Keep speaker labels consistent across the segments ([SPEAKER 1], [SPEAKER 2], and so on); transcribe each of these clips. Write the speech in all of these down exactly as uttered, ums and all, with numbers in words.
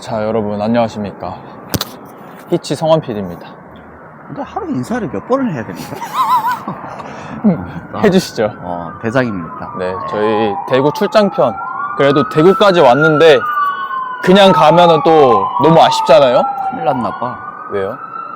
[SPEAKER 1] 자, 여러분 안녕하십니까. 히치 성환 피디입니다.
[SPEAKER 2] 근데 하루 인사를 몇 번을 해야 됩니까?
[SPEAKER 1] 해주시죠.
[SPEAKER 2] 어, 대장입니다.
[SPEAKER 1] 네, 저희 대구 출장편. 그래도 대구까지 왔는데 그냥 가면은 또 너무 아쉽잖아요?
[SPEAKER 2] 큰일 났나봐.
[SPEAKER 1] 왜요?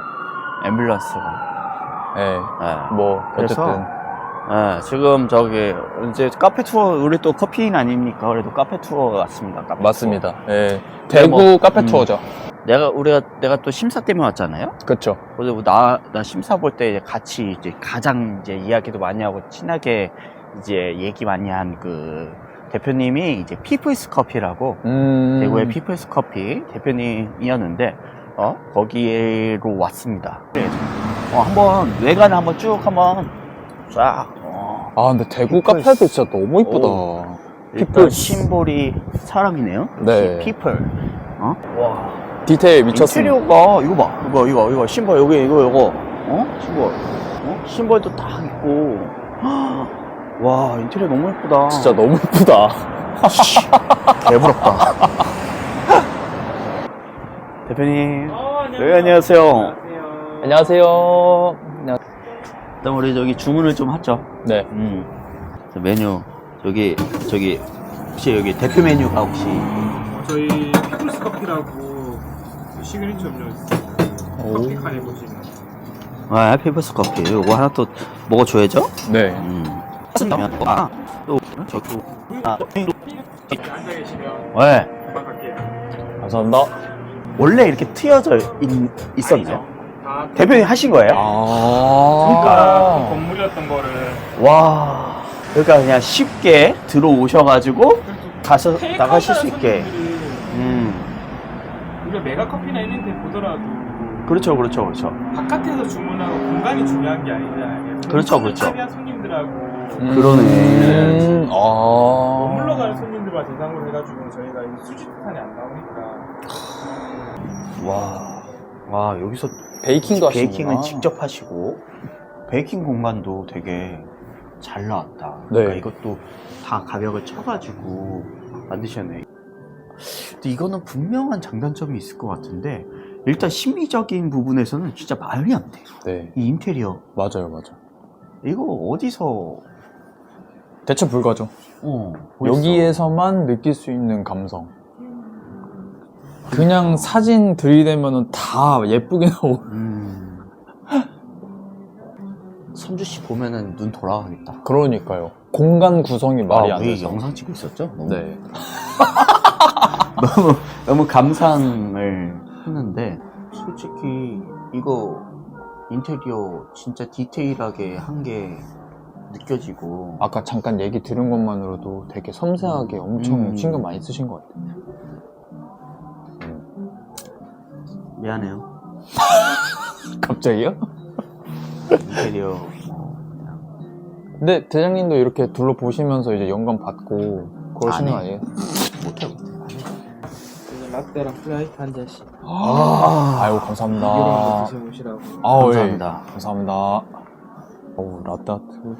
[SPEAKER 2] 앰뷸런스가.
[SPEAKER 1] 네,
[SPEAKER 2] 네.
[SPEAKER 1] 뭐
[SPEAKER 2] 그래서,
[SPEAKER 1] 어쨌든
[SPEAKER 2] 네, 지금 저기, 이제 카페 투어, 우리 또 커피인 아닙니까? 그래도 카페 투어 왔습니다. 카페
[SPEAKER 1] 맞습니다.
[SPEAKER 2] 투어.
[SPEAKER 1] 네, 대구
[SPEAKER 2] 뭐,
[SPEAKER 1] 카페
[SPEAKER 2] 음.
[SPEAKER 1] 투어죠.
[SPEAKER 2] 내가, 우리가, 내가 또 심사 때문에 왔잖아요?
[SPEAKER 1] 그렇죠.
[SPEAKER 2] 그래서 나, 나 심사 볼 때 같이 이제 가장 이제 이야기도 많이 하고 친하게 이제 얘기 많이 한 그 대표님이 이제 피플스 커피라고
[SPEAKER 1] 음...
[SPEAKER 2] 대구의 피플스 커피 대표님이었는데 어 거기로 왔습니다. 어 한번 외관을 한번 쭉 한번 쫙. 어.
[SPEAKER 1] 아 근데 대구
[SPEAKER 2] 피플스.
[SPEAKER 1] 카페도 진짜 너무 이쁘다.
[SPEAKER 2] 일단
[SPEAKER 1] 피플스.
[SPEAKER 2] 심볼이 사람이네요.
[SPEAKER 1] 네.
[SPEAKER 2] 피플. 어? 와.
[SPEAKER 1] 디테일 미쳤습니다.
[SPEAKER 2] 인테리어가 이거 봐, 이거 이거 이거 심볼 여기 이거 이거 어 심볼 어 심볼도 딱 있고. 와 인테리어 너무 예쁘다.
[SPEAKER 1] 진짜 너무 이쁘다.
[SPEAKER 2] 개부럽다. 대표님.
[SPEAKER 3] 어,
[SPEAKER 2] 네, 안녕하세요.
[SPEAKER 3] 안녕하세요.
[SPEAKER 1] 안녕하세요. 안녕-
[SPEAKER 2] 일단 우리 저기 주문을 좀 하죠.
[SPEAKER 1] 네.
[SPEAKER 2] 음. 저 메뉴 저기 저기 혹시 여기 대표 메뉴가 혹시
[SPEAKER 3] 어, 저희 피플스 커피라고 시그니처 음료 있습니다.
[SPEAKER 1] 오.
[SPEAKER 3] 커피 칸에 보시면
[SPEAKER 2] 아 피플스 커피 이거 하나 또 먹어줘야죠.
[SPEAKER 1] 네.
[SPEAKER 2] 음. 아, 또 저도 아,
[SPEAKER 3] 이렇게 앉아 계시면
[SPEAKER 2] 왜
[SPEAKER 3] 금방 갈게요.
[SPEAKER 1] 감사합니다.
[SPEAKER 2] 원래 이렇게 트여져 있, 있었나요?
[SPEAKER 3] 다
[SPEAKER 2] 대표님 하신 거예요?
[SPEAKER 1] 아.
[SPEAKER 2] 그러니까.
[SPEAKER 3] 건물이었던 거를
[SPEAKER 2] 와, 그러니까 그냥 쉽게 들어오셔가지고 가서 나가실 수 있게. 음,
[SPEAKER 3] 우리가 메가 커피나 이런 데 보더라도
[SPEAKER 2] 그렇죠, 그렇죠, 그렇죠.
[SPEAKER 3] 바깥에서 주문하고 공간이 중요한 게 아니잖아요.
[SPEAKER 2] 그렇죠, 그렇죠.
[SPEAKER 3] 참여한 손님들하고
[SPEAKER 2] 그러네.
[SPEAKER 1] 음, 아.
[SPEAKER 3] 머물러 가는 손님들만 대상으로 해가지고 저희가 이 수집판이 안 나오니까
[SPEAKER 2] 와, 와 여기서
[SPEAKER 1] 베이킹도 하시는구나.
[SPEAKER 2] 베이킹은 직접 하시고 베이킹 공간도 되게 잘 나왔다.
[SPEAKER 1] 네.
[SPEAKER 2] 그러니까 이것도 다 가격을 쳐가지고 만드셨네. 근데 이거는 분명한 장단점이 있을 것 같은데 일단 심미적인 부분에서는 진짜 말이 안 돼요.
[SPEAKER 1] 네.
[SPEAKER 2] 이 인테리어
[SPEAKER 1] 맞아요, 맞아요.
[SPEAKER 2] 이거 어디서
[SPEAKER 1] 대체 불가죠.
[SPEAKER 2] 어, 보였어?
[SPEAKER 1] 여기에서만 느낄 수 있는 감성. 그냥 사진 들이대면은 다 예쁘게 나오.
[SPEAKER 2] 음. 선주 씨 보면은 눈 돌아가겠다.
[SPEAKER 1] 그러니까요. 공간 구성이 말이
[SPEAKER 2] 아,
[SPEAKER 1] 안
[SPEAKER 2] 우리
[SPEAKER 1] 돼서.
[SPEAKER 2] 영상 찍고 있었죠? 너무,
[SPEAKER 1] 네.
[SPEAKER 2] 너무 너무 감상을 했는데 솔직히 이거 인테리어 진짜 디테일하게 한 게 느껴지고
[SPEAKER 1] 아까 잠깐 얘기 들은 것만으로도 되게 섬세하게 엄청
[SPEAKER 2] 음.
[SPEAKER 1] 신경 많이 쓰신 것 같아요.
[SPEAKER 2] 미안해요.
[SPEAKER 1] 갑자기요?
[SPEAKER 2] 인테리어 뭐 그냥
[SPEAKER 1] 근데 대장님도 이렇게 둘러보시면서 이제 영감 받고 그러시는 거
[SPEAKER 2] 안 해.
[SPEAKER 1] 아니에요?
[SPEAKER 2] 못해 못해.
[SPEAKER 3] 라떼랑 플라이트 한 잔씩
[SPEAKER 1] 아, 아유,
[SPEAKER 3] 이거랑
[SPEAKER 1] 감사합니다.
[SPEAKER 3] 드셔보시라고.
[SPEAKER 1] 아우,
[SPEAKER 2] 감사합니다.
[SPEAKER 1] 예. 감사합니다. 어우, 라떼아트.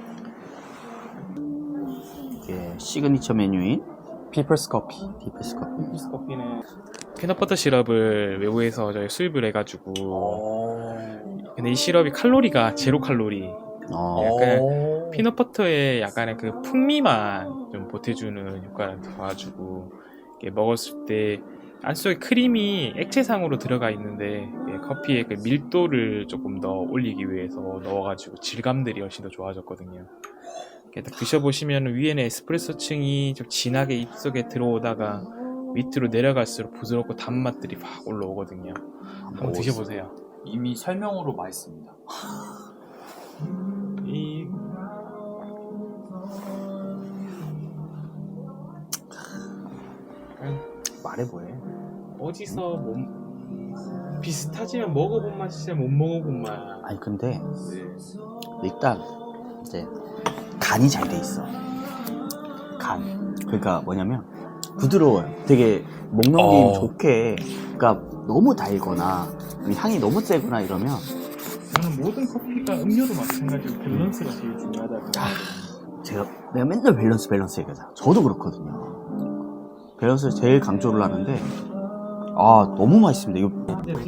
[SPEAKER 2] 이게 시그니처 메뉴인
[SPEAKER 1] 피플스 커피.
[SPEAKER 2] 디프스 커피.
[SPEAKER 3] 피플스 커피는 피넛버터 시럽을 외부에서 저희 수입을 해가지고 근데 이 시럽이 칼로리가 제로 칼로리
[SPEAKER 2] 어.
[SPEAKER 3] 약간 피넛버터의 약간의 그 풍미만 좀 보태주는 효과를 더가지고 이렇게 먹었을 때 안속에 크림이 액체상으로 들어가 있는데 커피의 그 밀도를 조금 더 올리기 위해서 넣어가지고 질감들이 훨씬 더 좋아졌거든요. 이렇게 딱 드셔보시면 위에는 에스프레소층이 좀 진하게 입속에 들어오다가 밑으로 내려갈수록 부드럽고 단맛들이 확 올라오거든요. 한번 드셔보세요.
[SPEAKER 1] 이미 설명으로 맛있습니다.
[SPEAKER 3] 이
[SPEAKER 2] 말해 뭐해?
[SPEAKER 3] 어디서 못 비슷하지만 먹어본 맛이지 못 먹어본 맛.
[SPEAKER 2] 아니 근데 일단 이제 간이 잘 돼 있어. 간. 그러니까 뭐냐면 부드러워요. 되게 목 넘김
[SPEAKER 1] 어.
[SPEAKER 2] 좋게. 그러니까 너무 달거나 향이 너무 세거나 이러면
[SPEAKER 3] 저는 모든 커피가 음료도 마찬가지로 밸런스가 제일 중요하다고.
[SPEAKER 2] 제가 내가 맨날 밸런스 밸런스 얘기하잖아. 저도 그렇거든요. 밸런스를 제일 강조를 하는데 아 너무 맛있습니다. 이거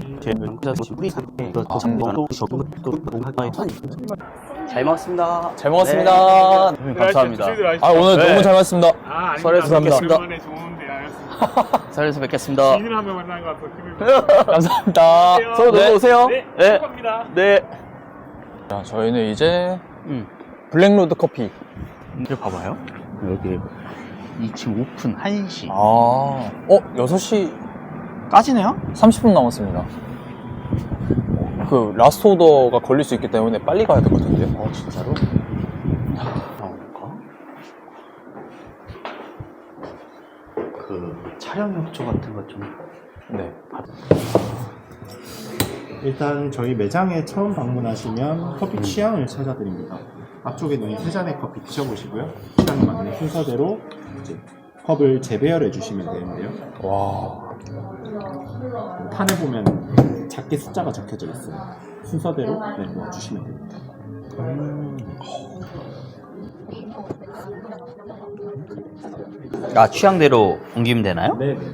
[SPEAKER 2] 잘 먹었습니다.
[SPEAKER 1] 잘 먹었습니다.
[SPEAKER 2] 네. 감사합니다.
[SPEAKER 1] 아, 오늘
[SPEAKER 2] 네.
[SPEAKER 1] 너무 잘 먹었습니다.
[SPEAKER 3] 아,
[SPEAKER 2] 설에서 뵙겠습니다.
[SPEAKER 3] 오랜만에 좋은데 알았습니다.
[SPEAKER 2] 설에서 뵙겠습니다.
[SPEAKER 3] 지인을 한 명 만난 것 같아서 기분이
[SPEAKER 1] 감사합니다.
[SPEAKER 2] 서로 놀러 오세요.
[SPEAKER 3] 네,
[SPEAKER 2] 네.
[SPEAKER 3] 축하합니다.
[SPEAKER 2] 네.
[SPEAKER 1] 자, 저희는 이제
[SPEAKER 2] 음.
[SPEAKER 1] 블랙로드 커피.
[SPEAKER 2] 이거 봐봐요. 여기 이 층 오픈 한 시.
[SPEAKER 1] 아, 어, 여섯 시
[SPEAKER 2] 까지네요?
[SPEAKER 1] 삼십 분 남았습니다. 그 라스트 오더가 걸릴 수 있기 때문에 빨리 가야 될 것 같은데요.
[SPEAKER 2] 어 진짜로? 나올까? 그 촬영 협조 같은 것 좀.
[SPEAKER 1] 네.
[SPEAKER 4] 일단 저희 매장에 처음 방문하시면 커피 취향을 찾아드립니다. 앞쪽에 있는 세 잔의 커피 드셔보시고요. 취향에 맞는 순서대로 이제 컵을 재배열해 주시면 되는데요.
[SPEAKER 1] 와.
[SPEAKER 4] 판에 보면 작게 숫자가 적혀져 있어요. 순서대로 네, 넣어주시면 됩니다.
[SPEAKER 2] 아 취향대로 옮기면 되나요?
[SPEAKER 4] 네, 네.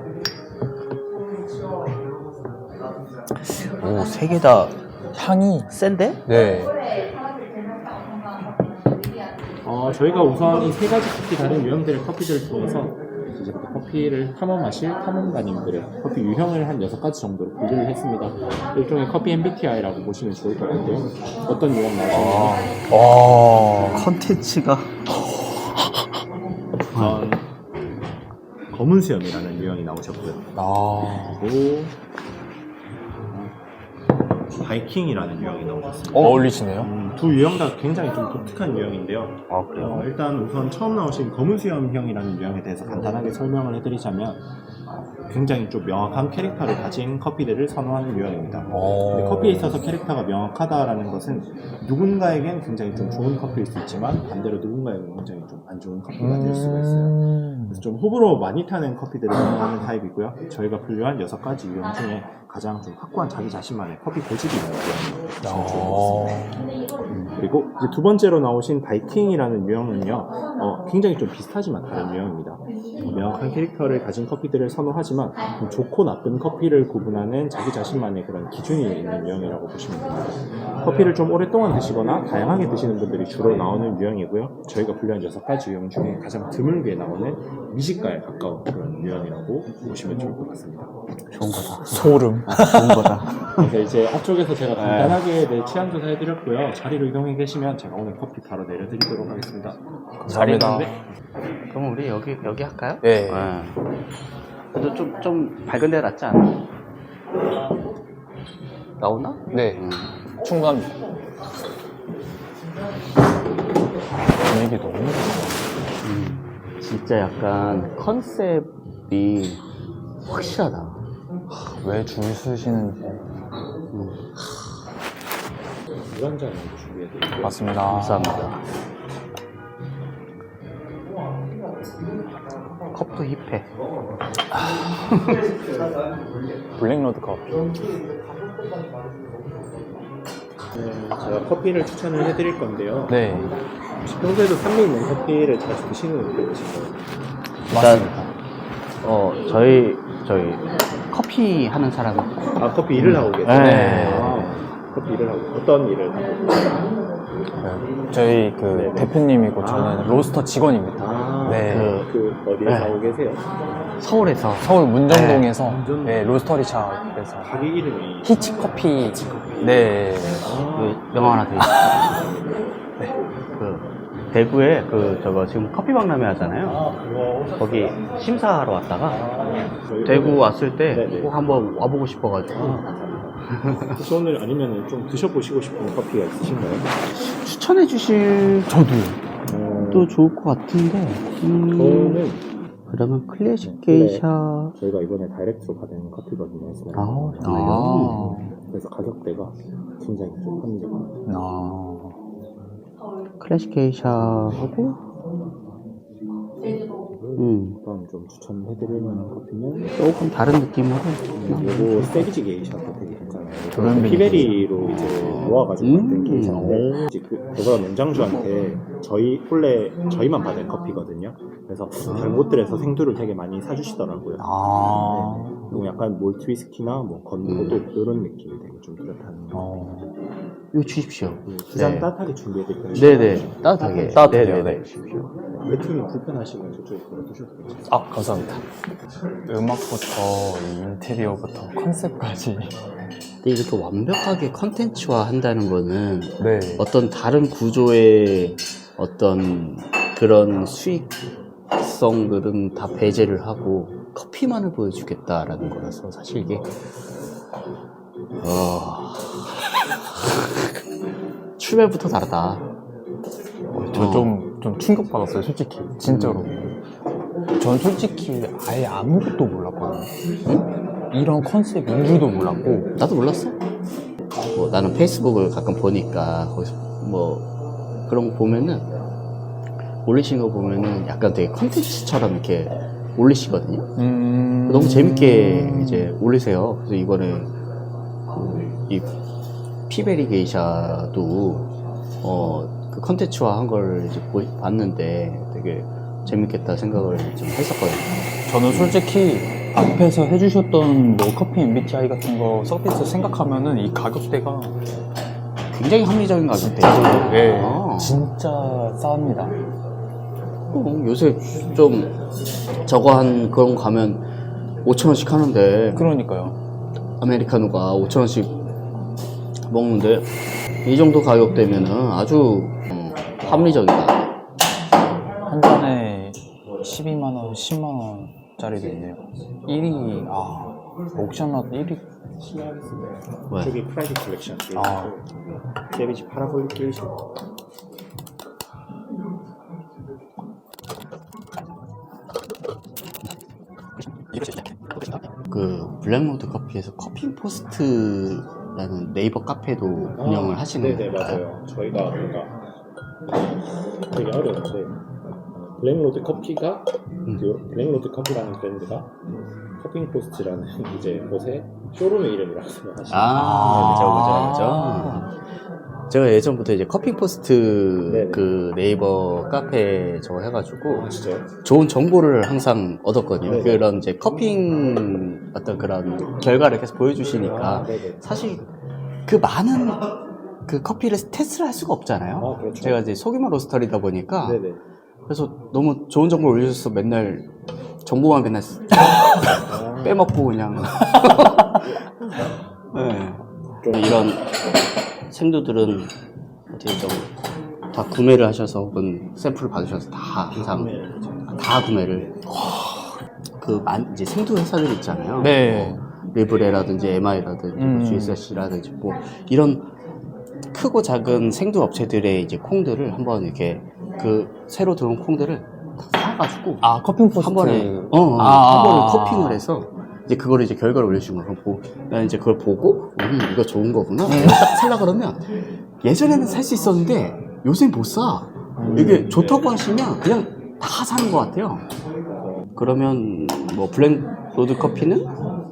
[SPEAKER 2] 오 세 개 다
[SPEAKER 1] 향이.
[SPEAKER 2] 센데?
[SPEAKER 1] 네.
[SPEAKER 4] 어, 저희가 우선 이 세 가지 커피 다른 유형들의 커피들을 통해서 이제부터 커피를 탐험하실 탐험가님들의 커피 유형을 한 여섯 가지 정도로 분류를 했습니다. 일종의 커피 엠비티아이라고 보시면 좋을 것 같고요. 어떤 유형 나오시는지
[SPEAKER 1] 와.
[SPEAKER 2] 컨텐츠가
[SPEAKER 4] 우선 검은 수염이라는 유형이 나오셨고요.
[SPEAKER 1] 아.
[SPEAKER 4] 그리고 바이킹이라는 유형이 나오셨습니다.
[SPEAKER 1] 어울리시네요.
[SPEAKER 4] 음, 두 유형 다 굉장히 좀 독특한 유형인데요.
[SPEAKER 2] 아 그래요?
[SPEAKER 4] 어, 일단 우선 처음 나오신 검은 수염형이라는 유형에 대해서 간단하게 설명을 해드리자면 굉장히 좀 명확한 캐릭터를 가진 커피들을 선호하는 유형입니다.
[SPEAKER 1] 어.
[SPEAKER 4] 근데 커피에 있어서 캐릭터가 명확하다라는 것은 누군가에겐 굉장히 좀 좋은 커피일 수 있지만 반대로 누군가에겐 굉장히 좀 안 좋은 커피가 될 수가 있어요.
[SPEAKER 1] 음.
[SPEAKER 4] 그래서 좀 호불호 많이 타는 커피들을 선호하는 타입이고요. 저희가 분류한 여섯 가지 유형 중에 가장 좀 확고한 자기 자신만의 커피 고집이 있는 유형이
[SPEAKER 1] 어.
[SPEAKER 4] 그리고 이제 두 번째로 나오신 바이킹이라는 유형은요, 어, 굉장히 좀 비슷하지만 다른 유형입니다. 어, 명확한 캐릭터를 가진 커피들을 선호하지만 좀 좋고 나쁜 커피를 구분하는 자기 자신만의 그런 기준이 있는 유형이라고 보시면 됩니다. 커피를 좀 오랫동안 드시거나 다양하게 드시는 분들이 주로 나오는 유형이고요. 저희가 분류한 여섯 가지 유형 중에 가장 드물게 나오는 미식가에 가까운 그런 유형이라고 보시면 좋을 것 같습니다.
[SPEAKER 2] 좋은 거다.
[SPEAKER 1] 소름.
[SPEAKER 2] 좋은 거다.
[SPEAKER 4] 그래서 이제 앞쪽에서 제가 간단하게 내 취향 조사 해드렸고요. 자리로 이동해 계시면 제가 오늘 커피 바로 내려드리도록 하겠습니다.
[SPEAKER 1] 감사합니다.
[SPEAKER 2] 그럼 우리 여기 여기 할까요?
[SPEAKER 1] 네.
[SPEAKER 2] 그래도 좀 좀 밝은 데 낫지 않아? 나오나?
[SPEAKER 1] 네.
[SPEAKER 2] 음.
[SPEAKER 1] 충분합니다. 분위기 너무 좋아.
[SPEAKER 2] 음. 진짜 약간 컨셉이 확실하다.
[SPEAKER 1] 왜 줄 서시는지.
[SPEAKER 2] 음.
[SPEAKER 4] 물 한 잔 준비해드릴게요.
[SPEAKER 1] 맞습니다.
[SPEAKER 2] 감사합니다. 컵도 힙해.
[SPEAKER 1] 블랙로드 커피.
[SPEAKER 4] 네, 제가 커피를 추천을 해드릴 건데요.
[SPEAKER 1] 네.
[SPEAKER 4] 혹시 평소에도 산미 있는 커피를 자주 드시는 편이신가요?
[SPEAKER 2] 일단 어 저희 저희 커피 하는 사람.
[SPEAKER 4] 아, 커피 일을 하고 계세요?
[SPEAKER 2] 네.
[SPEAKER 4] 아, 커피 일을 하고 어떤 일을 하고 계세요?
[SPEAKER 1] 네. 저희 그
[SPEAKER 4] 네.
[SPEAKER 1] 대표님이고 저는 로스터 직원입니다.
[SPEAKER 4] 아,
[SPEAKER 1] 네.
[SPEAKER 4] 그, 그 어디에서
[SPEAKER 2] 네.
[SPEAKER 4] 하고 계세요?
[SPEAKER 2] 서울에서
[SPEAKER 1] 서울 문정동에서
[SPEAKER 4] 네. 문정동.
[SPEAKER 1] 네, 로스터리샵에서
[SPEAKER 4] 가게 이름이
[SPEAKER 1] 히치 커피. 네.
[SPEAKER 2] 그 명함 하나 드릴게요. 네. 그 대구에 그 저거 지금 커피 박람회 하잖아요.
[SPEAKER 4] 아, 그거
[SPEAKER 2] 거기 심사하러 왔다가
[SPEAKER 4] 저희
[SPEAKER 2] 대구
[SPEAKER 4] 오늘-
[SPEAKER 2] 왔을 때
[SPEAKER 4] 네네.
[SPEAKER 2] 꼭 한번 와보고 싶어가지고
[SPEAKER 4] 혹시 오늘 아니면 좀 드셔보시고 싶은 커피가 있으신가요?
[SPEAKER 2] 추천해 주실
[SPEAKER 1] 저도요.
[SPEAKER 4] 어,
[SPEAKER 2] 또 좋을 것 같은데. 음,
[SPEAKER 4] 저는
[SPEAKER 2] 그러면 클래식 게이샤.
[SPEAKER 4] 저희가 이번에 다이렉트로 받은 커피거든요.
[SPEAKER 2] 아,
[SPEAKER 1] 아.
[SPEAKER 2] 정말요?
[SPEAKER 4] 그래서 가격대가 굉장히 좀 합리적합니다.
[SPEAKER 1] 아.
[SPEAKER 2] 클래식 게이샤하고 음,
[SPEAKER 4] 다음 좀 추천해드릴 만한 커피는
[SPEAKER 2] 조금 다른 느낌으로.
[SPEAKER 4] 그리고 세비지 게이샤도 되게 괜찮아요.
[SPEAKER 1] 브랜드
[SPEAKER 4] 피베리로 이제 모아가지고
[SPEAKER 2] 음.
[SPEAKER 4] 만든 케이스인데 이제 그 그거랑 농장주한테 저희 원래 저희만 받은 커피거든요. 그래서 다른 곳들에서 생두를 되게 많이 사주시더라고요.
[SPEAKER 2] 아.
[SPEAKER 4] 그리고 약간 몰트 위스키나 뭐 건포도 이런 느낌이 되게 좀 뚜렷한.
[SPEAKER 2] 어. 이거 주십시오.
[SPEAKER 4] 두잔
[SPEAKER 2] 네.
[SPEAKER 4] 따뜻하게 준비해드릴게요.
[SPEAKER 2] 네네. 따뜻하게.
[SPEAKER 1] 따뜻하게요,
[SPEAKER 2] 네네네.
[SPEAKER 1] 네.
[SPEAKER 2] 주십시오.
[SPEAKER 4] 외투는 불편하시면 저쪽에 걸어두셔도 괜찮아요.
[SPEAKER 1] 아, 감사합니다. 음악부터 이 인테리어부터 컨셉까지.
[SPEAKER 2] 근데 이렇게 완벽하게 컨텐츠화 한다는 거는
[SPEAKER 1] 네.
[SPEAKER 2] 어떤 다른 구조의 어떤 그런 수익성들은 다 배제를 하고 커피만을 보여주겠다라는 거라서 사실 이게 어... 출발부터 다르다.
[SPEAKER 1] 저 좀 좀 충격받았어요, 솔직히. 진짜로. 전 솔직히 아예 아무것도 몰랐거든요. 응? 이런 컨셉인 줄도 몰랐고.
[SPEAKER 2] 나도 몰랐어. 뭐 나는 페이스북을 가끔 보니까 거기서 뭐 그런 거 보면은 올리신 거 보면은 약간 되게 컨텐츠처럼 이렇게 올리시거든요.
[SPEAKER 1] 음...
[SPEAKER 2] 너무 재밌게 이제 올리세요. 그래서 이번에 그 이 피베리 게이샤도 어 그 컨텐츠화 한 걸 이제 보, 봤는데 되게 재밌겠다 생각을 좀 했었거든요.
[SPEAKER 1] 저는 솔직히 앞에서 해주셨던 뭐 커피 엠비티아이 같은 거 서비스 생각하면은 이 가격대가
[SPEAKER 2] 굉장히 합리적인 가격대.
[SPEAKER 1] 네,
[SPEAKER 2] 아.
[SPEAKER 1] 진짜 싸합니다.
[SPEAKER 2] 어, 요새 좀 저거 한 그런 거 가면 오천 원씩 하는데
[SPEAKER 1] 그러니까요.
[SPEAKER 2] 아메리카노가 오천 원씩 먹는데 이 정도 가격대면은 아주 음, 합리적이다.
[SPEAKER 1] 한 잔에 십이만 원, 십만 원짜리도 있네요. 일 위, 아, 옥션넛 일 위.
[SPEAKER 2] 왜?
[SPEAKER 4] 저기 프라이빗 컬렉션.
[SPEAKER 1] 아.
[SPEAKER 4] 데비지 파라볼릭 게이션.
[SPEAKER 2] 그 블랙로드 커피에서 커피 포스트라는 네이버 카페도 운영을 하시는
[SPEAKER 4] 네네
[SPEAKER 2] 건가요?
[SPEAKER 4] 맞아요. 저희가 뭔가 되게 어려운데 블랙로드 커피가
[SPEAKER 2] 음.
[SPEAKER 4] 그 블랙로드 커피라는 브랜드가 커핑 포스트라는 이제 곳에 쇼룸의 이름이라고 생각하시면
[SPEAKER 2] 아, 그죠,
[SPEAKER 1] 아.
[SPEAKER 2] 그죠, 그죠. 제가 예전부터 이제 커피 포스트
[SPEAKER 4] 네네.
[SPEAKER 2] 그 네이버 카페 저거 해가지고
[SPEAKER 4] 진짜요?
[SPEAKER 2] 좋은 정보를 항상 얻었거든요.
[SPEAKER 4] 네네.
[SPEAKER 2] 그런 이제 커핑 어떤 그런 결과를 계속 보여주시니까
[SPEAKER 4] 아, 네네.
[SPEAKER 2] 사실 그 많은 그 커피를 테스트를 할 수가 없잖아요.
[SPEAKER 4] 아, 그렇죠.
[SPEAKER 2] 제가 이제 소규모 로스터리다 보니까
[SPEAKER 4] 네네.
[SPEAKER 2] 그래서 너무 좋은 정보를 올려줘서 맨날 정보만 맨날
[SPEAKER 4] 아,
[SPEAKER 2] 빼먹고 그냥 네.
[SPEAKER 4] 좀
[SPEAKER 2] 이런 생두들은 어떻게 좀 다 구매를 하셔서 혹은 샘플을 받으셔서 다 항상 다 구매를 그 만- 이제 생두 회사들 있잖아요.
[SPEAKER 1] 네.
[SPEAKER 2] 리브레라든지 엠아이라든지
[SPEAKER 1] 음.
[SPEAKER 2] 지에스씨라든지 뭐 이런 크고 작은 생두 업체들의 이제 콩들을 한번 이렇게 그 새로 들어온 콩들을 다 사가지고
[SPEAKER 1] 아, 커핑 포스트.
[SPEAKER 2] 한 번에 어, 어,
[SPEAKER 1] 아.
[SPEAKER 2] 한 번에 커핑을 해서 이제 그거를 이제 결과를 올려주는 거예요. 보고 난 이제 그걸 보고 음 이거 좋은 거구나. 내가 딱 살라 그러면 예전에는 살 수 있었는데 요새 못 사. 이게 좋다고 하시면 그냥 다 사는 것 같아요. 그러면 뭐 블랙 로드 커피는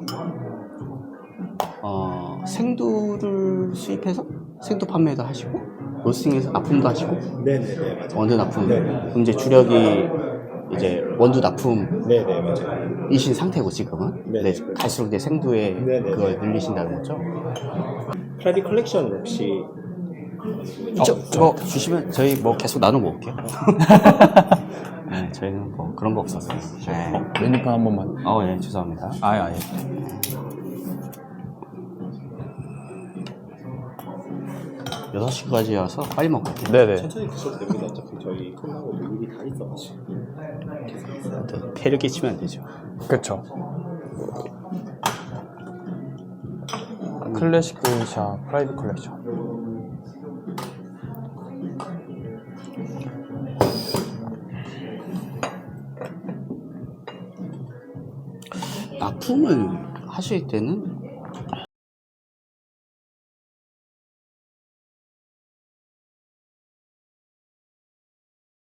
[SPEAKER 2] 어, 생두를 수입해서 생두 판매도 하시고 로스팅해서 납품도 하시고
[SPEAKER 4] 네네네 맞아요.
[SPEAKER 2] 원두 납품.
[SPEAKER 4] 네네.
[SPEAKER 2] 그럼 이제 주력이 이제 원두 납품
[SPEAKER 4] 네네 맞아요.
[SPEAKER 2] 이신 상태고 지금은
[SPEAKER 4] 네네.
[SPEAKER 2] 네, 갈수록 이제 생두에
[SPEAKER 4] 네네.
[SPEAKER 2] 그걸 늘리신다는 거죠.
[SPEAKER 4] 프라이빗 컬렉션 혹시
[SPEAKER 2] 저, 저 주시면 저희 뭐 계속 나눠 먹을게요. 네, 저희는 뭐 그런 거 없었어요. 네.
[SPEAKER 1] 메뉴판 한 번만.
[SPEAKER 2] 어, 예, 죄송합니다.
[SPEAKER 1] 아예, 아예.
[SPEAKER 2] 여섯 시까지여서 빨리 먹어야 돼요.
[SPEAKER 1] 네네.
[SPEAKER 4] 천천히 드셔도 됩니다. 어차피 저희 끝나고 일이 다 있어가지고.
[SPEAKER 2] 또 폐를 끼치면 안 되죠.
[SPEAKER 1] 그쵸. 클래식 게이샤 프라이빗 컬렉션.
[SPEAKER 2] 납품을 하실 때는